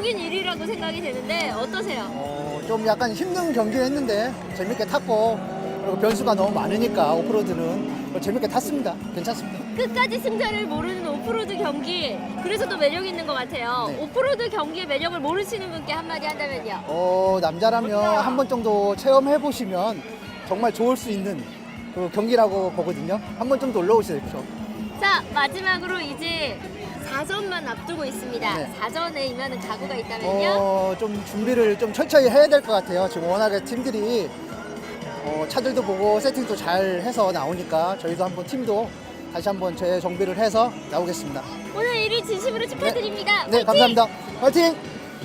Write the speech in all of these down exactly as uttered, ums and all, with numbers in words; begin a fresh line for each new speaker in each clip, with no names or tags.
매력적인 일 위라고 생각이 되는데 어떠세요?
어, 좀 약간 힘든 경기를 했는데 재밌게 탔고, 그리고 변수가 너무 많으니까 오프로드는 재밌게 탔습니다. 괜찮습니다.
끝까지 승자를 모르는 오프로드 경기, 그래서 더 매력 있는 것 같아요.
네.
오프로드 경기의 매력을 모르시는 분께 한마디 한다면요?
어, 남자라면 한 번 정도 체험해 보시면 정말 좋을 수 있는 그 경기라고 보거든요. 한 번 정도 올라오십시오.
자, 마지막으로 이제 사전만 앞두고 있습니다.
네.
사전에 임하는 각오가 있다면요?
어, 좀 준비를 좀 철저히 해야 될 것 같아요. 지금 워낙에 팀들이 어, 차들도 보고 세팅도 잘 해서 나오니까 저희도 한번 팀도 다시 한번 재정비를 해서 나오겠습니다.
오늘 일 위 진심으로 축하드립니다.
네,
화이팅!
감사합니다. 화이팅!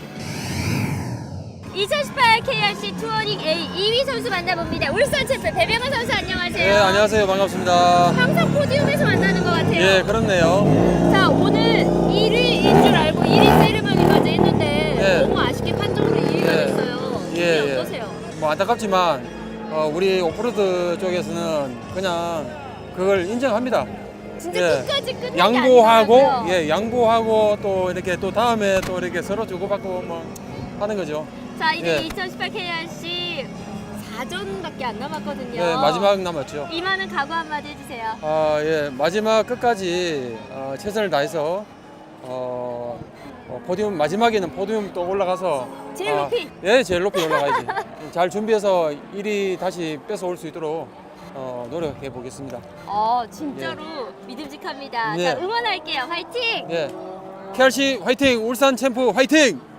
이천십팔 케이알씨 투어링 A 이 위 선수 만나봅니다. 울산 챔프 배병헌 선수 안녕하세요.
네, 안녕하세요. 반갑습니다.
항상 포디움에서 만나는 것 같아요.
예, 그렇네요.
자, 오늘 일 위인 줄 알고 일 위 세리머니까지 했는데
예.
너무 아쉽게 판정으로 이 위가
예.
됐어요.
예,
예,
예.
어떠세요?
뭐 안타깝지만 어, 우리 오프로드 쪽에서는 그냥 그걸 인정합니다.
진짜
예.
끝까지 끝나지
양보하고,
않더라고요.
예, 양보하고 또 이렇게 또 다음에 또 이렇게 서로 주고받고 뭐 하는 거죠.
자, 이제
예.
이천십팔 케이알씨 사전밖에 안 남았거든요.
예, 마지막 남았죠.
이만은 각오 한마디 해주세요.
아, 예, 마지막 끝까지 어, 최선을 다해서 어, 어, 포디움 마지막에는 포디움 또 올라가서
제일 높이.
아, 예, 제일 높이 올라가야지. 잘 준비해서 일 위 다시 뺏어올 수 있도록 어, 노력해 보겠습니다.
어, 진짜로 믿음직합니다.
예.
자, 응원할게요. 화이팅!
예, 케이알씨 화이팅! 울산 챔프 화이팅!